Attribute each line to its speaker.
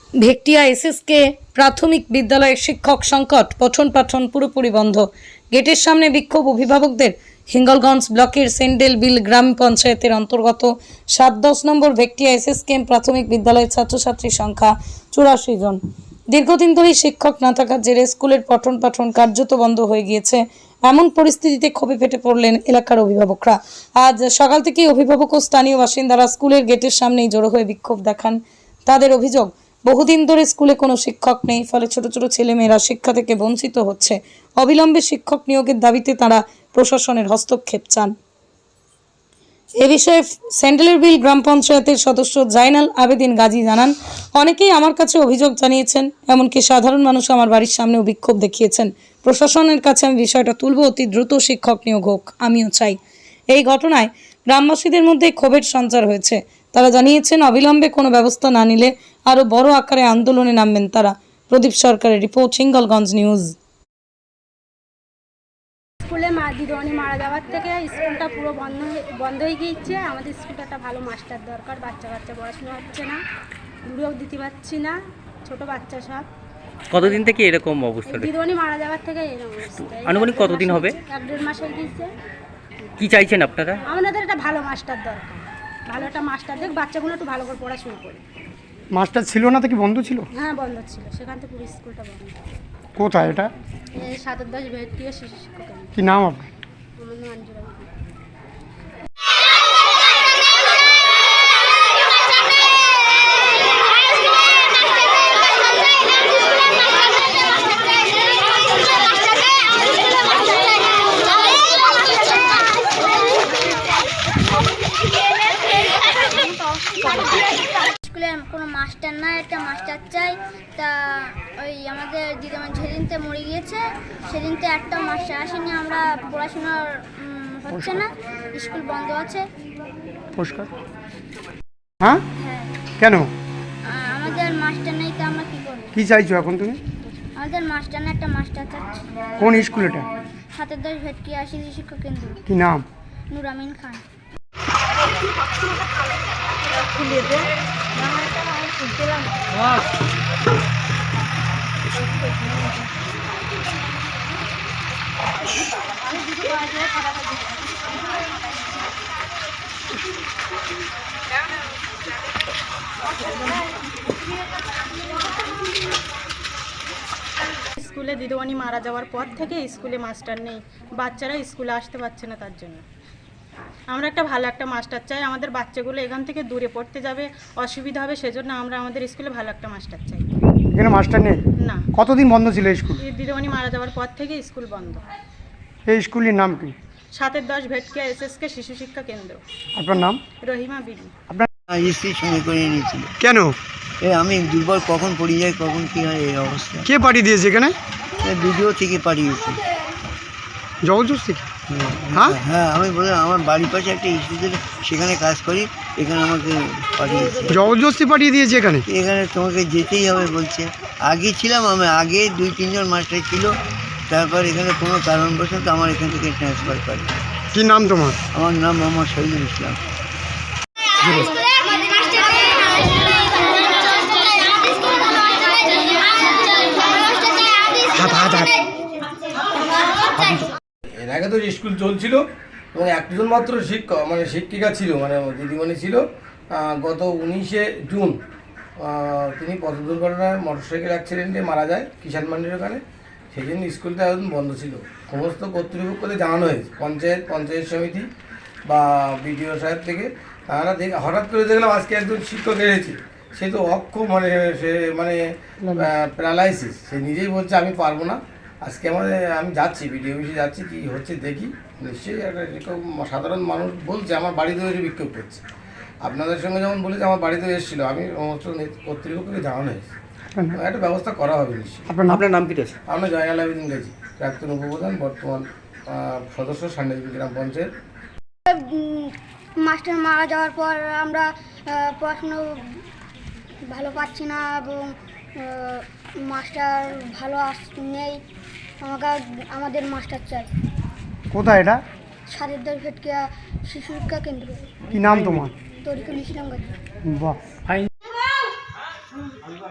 Speaker 1: ভেকটিয়া SSK প্রাথমিক বিদ্যালয়ের শিক্ষক সংকট, পঠন পাঠন পুরোপুরি বন্ধ। গেটের সামনে বিক্ষোভ অভিভাবকদের। হিঙ্গলগঞ্জ ব্লকের সেন্ডেল বিল গ্রাম পঞ্চায়েতের অন্তর্গত ৭-১০ নম্বর ভেকটিয়া এসএসকে প্রাথমিক বিদ্যালয়ের ছাত্রছাত্রীর সংখ্যা ৮৪ জন। দীর্ঘদিন ধরেই শিক্ষক না থাকার জেরে স্কুলের পঠন পাঠন কার্যত বন্ধ হয়ে গিয়েছে। এমন পরিস্থিতিতে ক্ষোভে ফেটে পড়লেন এলাকার অভিভাবকরা। আজ সকাল থেকেই অভিভাবক ও স্থানীয় বাসিন্দারা স্কুলের গেটের সামনেই জড়ো হয়ে বিক্ষোভ দেখান। তাদের অভিযোগ, বহুদিন ধরে স্কুলে কোনো শিক্ষক নেই, ফলে ছোট ছোট ছেলেমেয়েরা শিক্ষা থেকে বঞ্চিত হচ্ছে। অবিলম্বে শিক্ষক নিয়োগের দাবিতে তারা প্রশাসনের হস্তক্ষেপ চান। এ বিষয়ে সেন্ডেলের বিল গ্রাম পঞ্চায়েতের সদস্য জাইনাল আবেদিন গাজী জানান, অনেকেই আমার কাছে অভিযোগ জানিয়েছেন, এমনকি সাধারণ মানুষ আমার বাড়ির সামনেও বিক্ষোভ দেখিয়েছেন। প্রশাসনের কাছে আমি বিষয়টা তুলব, অতি দ্রুত শিক্ষক নিয়োগ হোক, আমিও চাই। এই ঘটনায় গ্রামবাসীদের মধ্যে ক্ষোভের সঞ্চার হয়েছে। তারা জানিয়েছেন, অবিলম্বে কোনো ব্যবস্থা না নিলে আরও বড় আকারে আন্দোলনে নামবেন তারা। প্রদীপ সরকারের রিপোর্ট, হিঙ্গলগঞ্জ নিউজ।
Speaker 2: স্কুলে দিদিমণি মারা যাওয়ার থেকে স্কুলটা পুরো বন্ধ হয়ে গিয়েছে। আমাদের স্কুলটা একটা ভালো মাস্টার দরকার। বাচ্চা পড়াশোনা হচ্ছে না, দূরেও দিতে পারছি না, ছোট বাচ্চা সব।
Speaker 3: কতদিন থেকে এরকম অবস্থা?
Speaker 2: দিদিমণি মারা যাওয়ার থেকে এরকম অবস্থা।
Speaker 3: আনুমানিক কতদিন হবে?
Speaker 2: 1-1.5 মাস হয়ে গিয়েছে।
Speaker 3: কি চাইছেন আপনারা?
Speaker 2: আমাদের একটা ভালো মাস্টার দরকার, ভালো একটা মাস্টার দেখ, বাচ্চাগুলো একটু ভালো করে পড়াশোনা করে।
Speaker 4: মাস্টার ছিল না তো কি বন্ধ ছিল?
Speaker 2: হ্যাঁ, বন্ধ ছিল, সেখান থেকে পুরো স্কুলটা বন্ধ।
Speaker 4: কোথায় এটা?
Speaker 2: ৭-১০ ভেকটিয়া শিশু শিক্ষা কেন্দ্র।
Speaker 4: কি নাম আপনার?
Speaker 2: আমার নাম আঞ্জুরা বিবি।
Speaker 5: স্কুলে কোনো মাস্টার নাই, একটা মাস্টার চাই। তা ওই আমাদের দিদিমা যেদিনতে মরে গিয়েছে সেদিনতে একটা মাস্টার আসেনি, আমরা পড়াশোনার হচ্ছে না, স্কুল বন্ধ আছে।
Speaker 4: পুরস্কার? হ্যাঁ,
Speaker 5: হ্যাঁ,
Speaker 4: কেন?
Speaker 5: আমাদের মাস্টার নেই, তো আমরা কী করব?
Speaker 4: কি চাইছো এখন তুমি?
Speaker 5: আমাদের মাস্টার না, একটা মাস্টার চাচ্ছি।
Speaker 4: কোন স্কুল এটা?
Speaker 5: ৭-১০ ভেটকিয়া শিশু শিক্ষা কেন্দ্র।
Speaker 4: কি নাম?
Speaker 5: নূর আমিন খান।
Speaker 2: স্কুলে দিদিমণি মারা যাওয়ার পর থেকে স্কুলে মাস্টার নেই, বাচ্চারা স্কুলে আসতে পারছে না। তার জন্য আমরা একটা ভালো একটা মাস্টার চাই। আমাদের বাচ্চাগুলো এখান থেকে দূরে পড়তে যাবে, অসুবিধা হবে, সেজন্য আমরা আমাদের স্কুলে ভালো একটা মাস্টার চাই।
Speaker 4: এখানে মাস্টার নেই?
Speaker 2: না।
Speaker 4: কতদিন বন্ধ ছিল এই স্কুল?
Speaker 2: এই দিদিমণি মারা যাওয়ার পর থেকে স্কুল বন্ধ।
Speaker 4: এই স্কুলের নাম কি?
Speaker 2: ৭-১০ ভেটকিয়া এসএসকে শিশু শিক্ষা কেন্দ্র।
Speaker 4: আপনার নাম?
Speaker 2: রহিমা বিবি।
Speaker 4: আপনার
Speaker 6: স্ত্রীর সঙ্গে করিয়ে নিয়েছিল।
Speaker 4: কেন?
Speaker 6: আমি দুর্বল, কখন পড়ে যাই, কখন কী হয়, এই অবস্থা।
Speaker 4: কে পাঠিয়ে দিয়েছে এখানে?
Speaker 6: ভিডিও থেকে পাঠিয়েছে।
Speaker 4: জবরদস্তি? হ্যাঁ
Speaker 6: হ্যাঁ, আমি বললাম আমার বাড়ির পাশে একটা স্কুল, সেখানে কাজ করি, এখানে আমাকে পাঠিয়েছে।
Speaker 4: জবরদস্তি পাঠিয়ে দিয়েছে এখানে?
Speaker 6: এখানে তোমাকে যেতেই হবে বলছে। আগে ছিলাম আমি, আগে 2-3 জন মাস্টার ছিল, তারপর এখানে কোনো কারণবশত আমার এখান থেকে ট্রান্সফার করে।
Speaker 4: কি নাম তোমার?
Speaker 6: আমার নাম মোহাম্মদ শহীদুল ইসলাম।
Speaker 7: এর আগে তো স্কুল চলছিল এবং একজন মাত্র শিক্ষক শিক্ষিকা ছিল, দিদিমণি ছিল। গত 19শে জুন তিনি পথ দুর্ঘটনায় মোটরসাইকেল অ্যাক্সিডেন্টে মারা যায় কিষাণ মান্ডির ওখানে। সেই জন্য স্কুলটা এখন বন্ধ ছিল। সমস্ত কর্তৃপক্ষদের জানানো হয়েছে, পঞ্চায়েত সমিতি বা বিডিও সাহেব থেকে। তারা হঠাৎ করে দেখলাম আজকে একজন শিক্ষক এসেছে, সে তো অক্ষম, সে প্যারালাইসিস। সে নিজেই বলছে আমি পারবো না। আজকে আমি যাচ্ছি বিডিও অফিসে, যাচ্ছি কী হচ্ছে দেখি। নিশ্চয়ই একটা এরকম সাধারণ মানুষ বলছে আমার বাড়িতে এসে বিক্ষোভ করছে। আপনাদের সঙ্গে যেমন বলেছে আমার বাড়িতেও এসেছিলো, আমি সমস্ত কর্তৃপক্ষকে জানানো হয়েছে, একটা ব্যবস্থা করা হবে নিশ্চয়ই।
Speaker 3: আপনার নাম কি রয়েছে?
Speaker 7: আমরা জাইনাল আবেদিন গাজী, প্রাক্তন উপপ্রধান, বর্তমান সদস্য, সেন্ডেল বিল গ্রাম পঞ্চায়েত।
Speaker 5: মাস্টার মারা যাওয়ার পর আমরা পড়াশুনো ভালো পাচ্ছি না এবং মাস্টার ভালো নেই। আমাদের মাস্টার চাই।
Speaker 4: কোথায় এটা?
Speaker 5: ৭-১০ ভেটকিয়া শিশু শিক্ষা কেন্দ্র।
Speaker 4: কি নাম তোমার?
Speaker 5: তরিকুল ইসলাম গাজী।
Speaker 4: বাহ।